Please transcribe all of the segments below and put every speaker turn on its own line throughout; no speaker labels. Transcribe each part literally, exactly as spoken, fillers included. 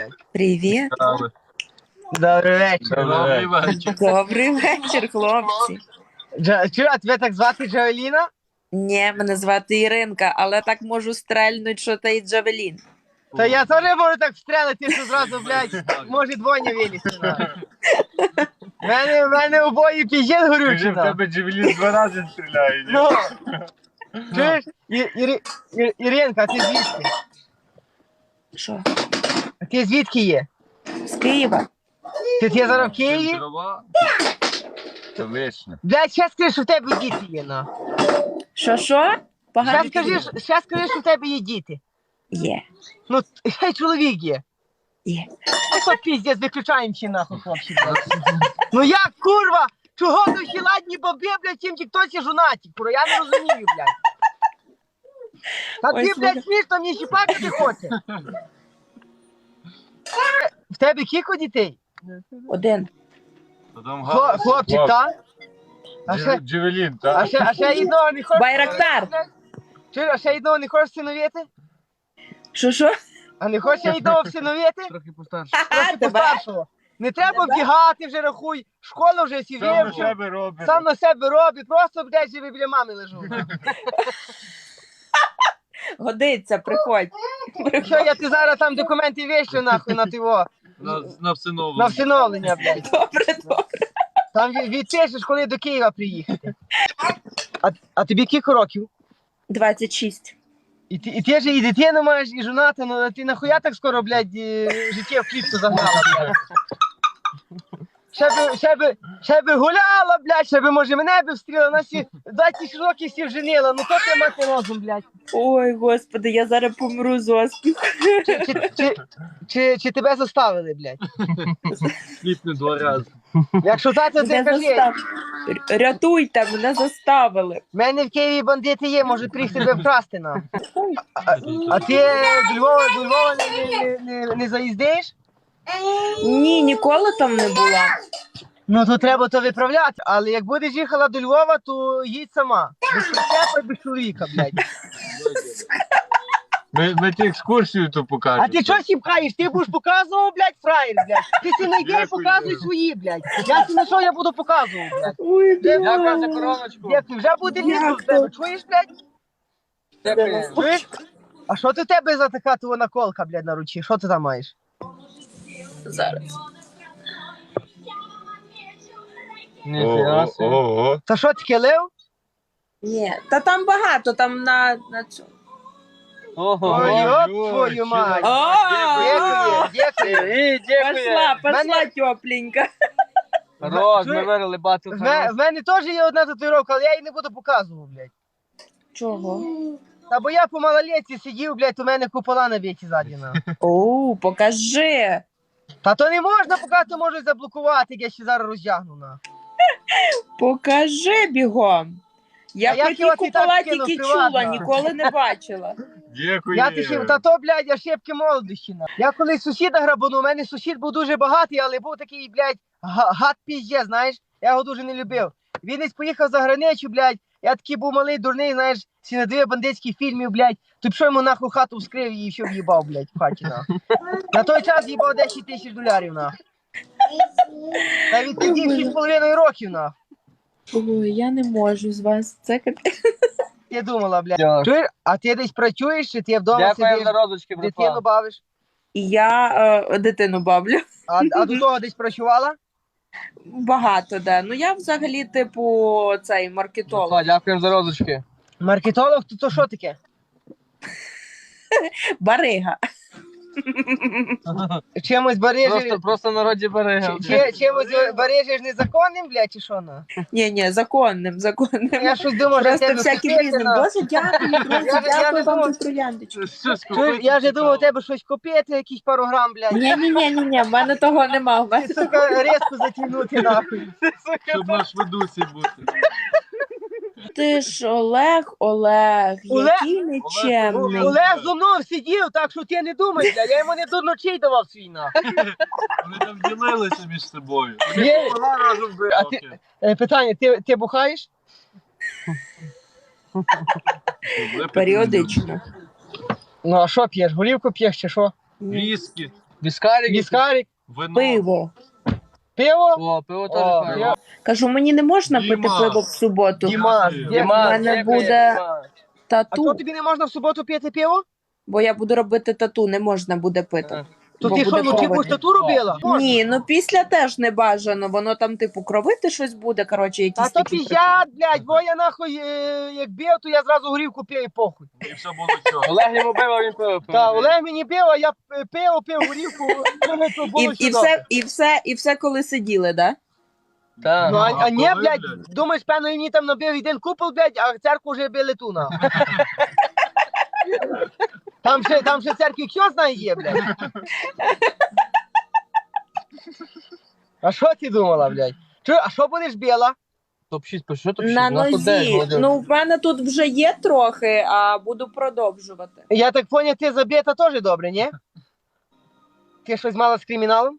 Привіт.
Добрий вечір.
Добрий вечір.
Добрий вечір, хлопці.
Джа- Чую, а тебе так звати Джавеліна?
Ні, мене звати Іринка, але так можу стрельнуть, що ти і Джавелін.
Та я теж можу так встрелити, що зразу, блядь, може двоє вилізти. на. В мене, в мене обоє піжет
Скажи,
горючий.
в
на.
тебе Джевелін два рази стріляє. ні?
Ну, чуєш, І- Іри- Ір- Іринка, а ти звідки?
Що?
А ти звідки є?
З Києва?
Ти, ти зараз в Києві?
Дрова? То вічно.
Блядь, ще скажи, що в тебе діти є, на.
Що, що? Погано
Ще скажи,
чую.
що- ще скажи, що в тебе є діти.
Є,
Ну, ще й чоловік є.
є.
Що піздець, виключаємо чи нахуй, хлопці. Ну як, курва? Чого душі ладні баби, блядь, тим тіктосі жонаті, курва? Я не розумію, блядь. Та
Ой,
ти,
слухай.
блядь, смішно, мені ще плакати хоче. В тебе кілько дітей?
Один.
Потім
Хло- Хлопчик, та? А ще,
Джевелін,
а
так?
ще, а ще одного не хочеш?
Байрактар.
Чуєш, а ще одного не хочеш всиновити?
Що, що?
А не хочеш ще одного всиновити?
Трохи постарше.
Трохи
тебе?
постаршого. Не треба вдягати вже, рахуй. Школа вже сі
Сам на
вивчив.
себе робить.
Сам на себе робить, просто, блядь, живе біля мами лежу.
Годиться, приходь.
Що я ти зараз там документи віщу нахуй на тиво,
На, на всиновлення.
на всиновлення, блядь.
Добре, добре.
Там ві- відпишеш, коли до Києва приїхати. А, а тобі кілька років?
двадцять шість.
І ти, і ти ж і дитину маєш, і жонати, ну а ти нахуя так скоро, блядь, е, життя в клітку загнала, блядь. Ще би, ще би, ще би гуляла, блядь, ще би, може, мене би встріла, на всі двадцять років всі вженила, ну то ти мати розум, блядь.
Ой, господи, я зараз помру з оспіху.
Чи, чи, чи, чи, чи тебе заставили, блядь?
Сліпне два рази.
Якщо так, то ти
Мене
кажи.
застав... Р- Рятуйте, мене заставили.
В мене в Києві бандити є, можуть приїхати тебе вкрасти нам. А, а ти до Львова, до Львова не, не, не, не заїздиш?
Ні, ніколи там не була.
Ну то треба то виправляти. Але як будеш їхала до Львова, то їдь сама. Без прицепа і без чоловіка, блядь.
Ми, ми ті екскурсію то покажемо.
А ти чого сіпкаєш? Ти будеш показував, блядь, фраєр, блядь. Ти си не йди і
Дякую.
показуй свої, блядь. Я си на що я буду показувати, блядь.
Ой,
Дякую за короночку. Дякую, вже буде літо в тебе. Чуєш, блядь?
Дякую.
Чуєш? А що ти в тебе за така твоя наколка, блядь, на руці? Що ти там маєш?
Зараз.
Ого, ого.
Та що таке, лев?
Ні, та там багато, там на, на цьому.
Ой, йоп твою мать.
О,
Дякую, дякую.
Пошла, пошла
Мене-
тепленька.
Роз, ми
вирили багато.
В мене, в мене теж є одна татуїровка, але я її не буду показувати, блядь.
Чого?
Та бо я по малолетці сидів, блядь, у мене купола на віці ззаді. на.
О, покажи.
Та то не можна показати, можуть заблокувати, як я ще зараз роздягну. На.
Покажи бігом. Я
А як
про ті
його ти так
купола
кинув
тільки
приватно?
чула, ніколи не бачила.
Дякую.
Я ти ще, та то, блядь, я шибки молодості. На. Я колись сусіда грабанув, у мене сусід був дуже багатий, але був такий, блядь, га- гад пізде, знаєш, я його дуже не любив. Він десь поїхав за границю, блядь, я такий був малий, дурний, знаєш, всі на дві бандитських фільмів, блядь, то пішов йому нахуй хату вскрив і все в'їбав, блядь, в хаті, на. На той час їбав десять тисяч долярів, на. Та він тоді шість з половиною років, на.
Ой, я не можу з вас. Це капець.
Ти думала, блядь. Чуєш, а ти десь працюєш, чи ти вдома
Дякую
сидиш,
за розочки,
дитину
братва.
бавиш?
І я е, дитину бавлю.
А, а до того десь працювала?
Багато, да. Ну я взагалі, типу, цей маркетолог.
Братва, дякуємо за розочки.
Маркетолог, то, то що таке?
Барига.
Чимось барижиш,
Просто, просто народі берега.
чи, чи, чимось барижиш незаконним, блядь, чи що, на?
Ні, ні, законним, законним.
Я щось думав, що
Просто
тебе
всяким
купити,
різним.
на.
Боже, дякую, друзі,
Я ж- я
дякую
ж
вам
думав-
за трояндочку.
Чуєш, я вже думав, у тебе щось купити, якийсь пару грам, блядь.
Ні, ні, ні, ні, ні, в мене того нема. В мене...
Ти, сука, резко затягнути, нахуй.
Щоб наш ведусі бути.
Ти ж Олег, Олег,
Олег-
який нечемний.
Олег зо мною сидів, так що ти не думай, блядь, я йому не до ночей давав свій, нахуй.
Вони там ділилися між собою.
Є-
Вона разом била.
А ти- Е, Питання, ти, ти бухаєш?
Періодично.
Ну, а що п'єш, голівку п'єш чи що?
Віскі.
Віскарик.
Віскарик,
Вино.
Пиво.
пиво.
О, пиво
О,
теж файно.
пиво.
Кажу, мені не можна
Діма.
пити пиво в суботу,
Дімас,
Діма,
Діма.
Діма,
в мене
дякую,
буде-
Діма.
А
тату,
то тобі не можна в суботу пити пиво?
бо я буду робити тату, не можна буде пити.
Ага.
То
Бо
ти що,
буде
вночі
кровити.
будеш тату робила?
Ні, ну після теж не бажано, воно там, типу, кровити щось буде, коротше,
Та
якісь
то
такі приколи.
піздят, блядь, бо я нахуй, е, як бив, то я зразу горівку пив і похуй.
І все було чого.
Олег йому пиво, він пиво пив.
Та Олег мені бив, а я п- пив, пив горівку, мене то
І,
було
і,
сюди.
все, і, все, і все, коли сиділи, да?
Так.
Ну, а, а ні,
коли,
блядь,
блядь?
думаєш, певно, він мені там набив один купол, блядь, а церкву вже били ту, нахуй. Там ще, там ще церкві хто знає є, блядь. А що ти думала, блядь? Чу, а що будеш біла?
топ шість, по що топ шість?
На
У нас тут дев'ять,
нозі.
молодець.
Ну, в мене тут вже є трохи, а буду продовжувати.
Я так поняв, ти забита теж добре, ні? Ти щось мала з криміналом?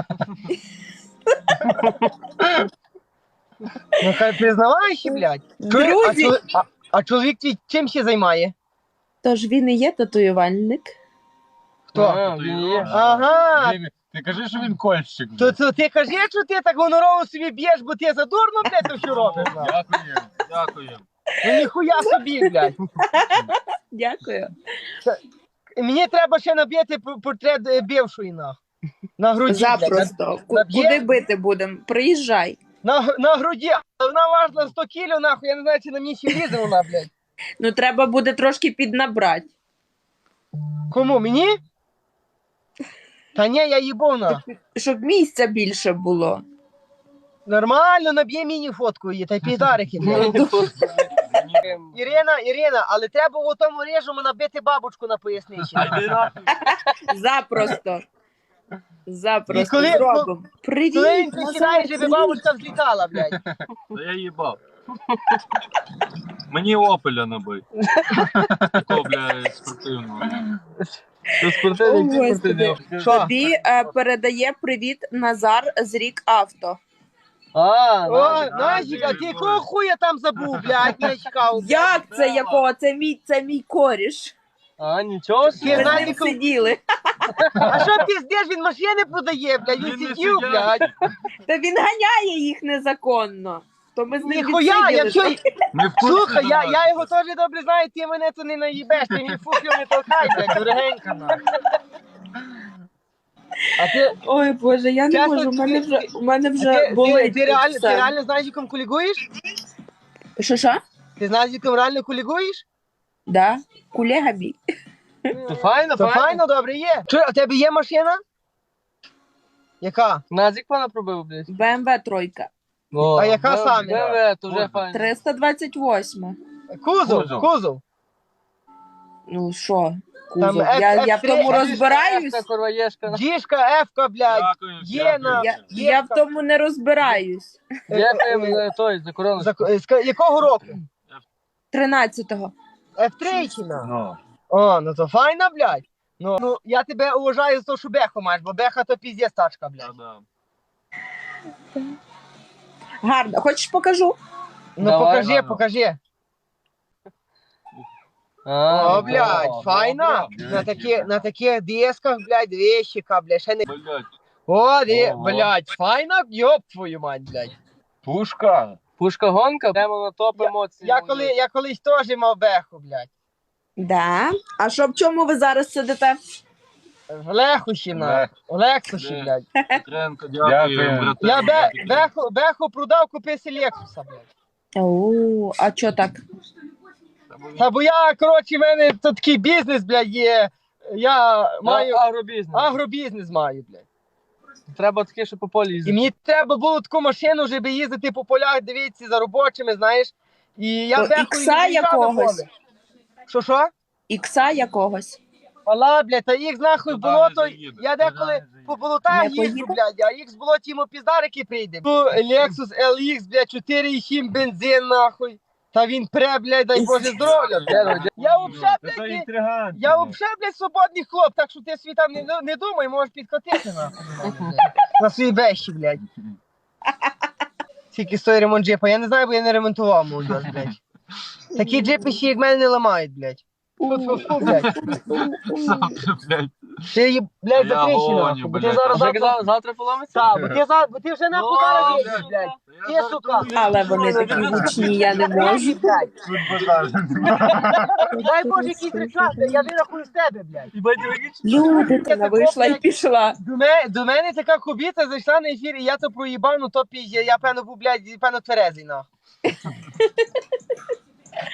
Ну хай признавайся, блядь. Чуєш, а,
Друзі,
чол- а, а чоловік твій чим ще займає?
тож він і є татуювальник.
Хто?
А, він є.
Ага.
Блін, Ти кажи, що він кольщик.
То, то ти кажи, що ти так гонорово собі б'єш, бо ти задурно, блядь, то що робиш? нахуй?
Дякуємо, дякуємо.
Ну ніхуя собі, блядь.
Дякую.
Мені треба ще набити п- портрет е, бившої, нахуй. На груді, блядь.
Запросто. Ку-
Наб'є?
Куди бити будемо? Приїжджай.
На, г- на груді. А вона важила сто кілів, нахуй, я не знаю, чи на мені ще лізе вона, блядь.
Ну, треба буде трошки піднабрати.
Кому, мені? Та ні, я їбов, нахуй.
Щоб місця більше було.
Нормально, наб'є мені фотку її, та й піздарики, блядь. Ірина, Ірина, але треба у тому режиму набити бабочку на поясничі.
А йди нахуй.
Запросто. Запросто.
І коли-
Зробимо. Привіт.
Коли він
Назар,
присідає, щоб
привіт.
бабочка взлітала, блядь.
Та я їбав. Мені опеля набий. Такого, бля, спортивного.
Це спортивний,
О,
це
Господи.
спортивний.
Що?
Тобі е, передає привіт Назар з Рік Авто.
А,
О,
Назик.
Назік, а ти якого хуя там забув, блядь, не чекав.
Як це якого? Це мій, це мій коріш.
А, нічого
Ми
собі.
Ти
з ним
Назіком-
сиділи.
А що піздеш, він машини продає, блядь, він
Він не
сидів,
сидять.
блядь.
Та він ганяє їх незаконно. То ми з ним
Ніхуя, я
відсиділи.
все...
Не в курсі
Слухай, я,
за
я
нас.
його теж добре знаю, ти мене то не наїбеш, ти мені фуфлю не толкай, блядь, дорогенька, нахуй. А ти,
Ой, Боже, я не
Чесно,
можу, у мене
ти-
вже, у мене
а
вже
ти, ти,
болить.
ти, реально, ти
все.
реально з Назіком кулігуєш?
Що, що?
Ти з Назіком реально кулігуєш?
Да, кулега мій.
То файно,
То
файно.
файно, добре є. Чуй, а у тебе є машина? Яка?
Назик пана пробив, блядь.
Б М В тройка.
О,
А яка
Б-
саме?
Б М В, то вже
Кузов.
файно.
триста двадцять восьма.
Кузов,
Кузов.
кузов.
Ну що,
Там
кузов.
F-
Я, я в тому
F3,
розбираюсь.
Ешка, Корваєшка.
Діжка, Ефка, блядь.
Дякую,
Є
дякую.
на-
Я,
Є
я в
така-
тому не розбираюсь.
Дякуємо за той, за корону.
За, з якого року?
тринадцятого.
еф три чи на?
Ну,
О, ну то файна, блядь. Ну, ну я тебе уважаю за те, що беху маєш, бо беха то піздець тачка, блядь.
та-да.
Гарно. Хочеш покажу?
Ну
Давай,
покажи,
ладно.
покажи.
А,
О, блядь,
о,
файна.
добре,
На
блядь.
такі, на таких дисках, блядь, вещика, блядь, ще не...
Блядь,
О, ди,
Ого.
блядь, файна, йоп твою мать, блядь.
пушка.
Пушка гонка, прямо на топ
Я-
емоцій.
Я, коли, я колись теж мав беху, блядь.
Да. А що в чому ви зараз сидите?
В Лехуші, на.
Лех.
В Лексуші,
Де?
блядь.
Петренко, дякую,
Дякую.
братан.
Я бе, беху, беху продав, купився Лексуса, блядь.
О, а чо так?
Та бо я, коротше, в мене то такий бізнес, блядь, є. Я
Маю
маю
агробізнес.
агробізнес маю, блядь.
Треба таке, що по полі
І
їздити.
мені треба було таку машину, щоб їздити по полях, дивитися за робочими, знаєш. І я
То
беху
ікса якогось?
Що що?
Ікса якогось.
Мала, блядь, та їх нахуй
Туди
було,
не
то
заїде,
я
туди
деколи
не заїде.
по болотах
Не
їжджу,
поїде?
блядь, а їх з болоті йому піздарики прийде. Ну, Lexus ел ікс, блядь, чотири і сім бензин, нахуй. Та він пре, блядь, дай Боже здоров'я, блядь. Я вообще,
Це
блядь,
інтригант.
я вообще, блядь, свободний хлоп, так що ти свій там не, не думай, можеш підкотити, нахуй. блядь, На свої бещі, блядь. Скільки стоїть ремонт джипа, я не знаю, бо я не ремонтував, мой, блядь. Такі джипи ще як мене не ламають, блядь. Фу-фу-фу, блядь.
Завтра, блядь.
Ти її, блядь,
Я
закричи,
гоню,
нахуй, бо ти
блядь.
зараз
Вже
завтра...
казав, завтра поламиться?
Так, бо ти, за... бо ти вже нахуй
Ну,
зараз
блядь.
їдеш, блядь.
Я
Ти,
зараз
сука.
думаю,
Але вони
що
такі
я
гучні, я не можу.
Блядь, блядь.
Тут базар.
Дай Боже, якийсь реклам, я вирахую з тебе, блядь.
І батько виключить.
Люди, вона вийшла і пішла.
До мене, до мене така хобіта зайшла на ефір, і я то проїбав, ну то пізже, я певно був, блядь, певно тверезий, нахуй.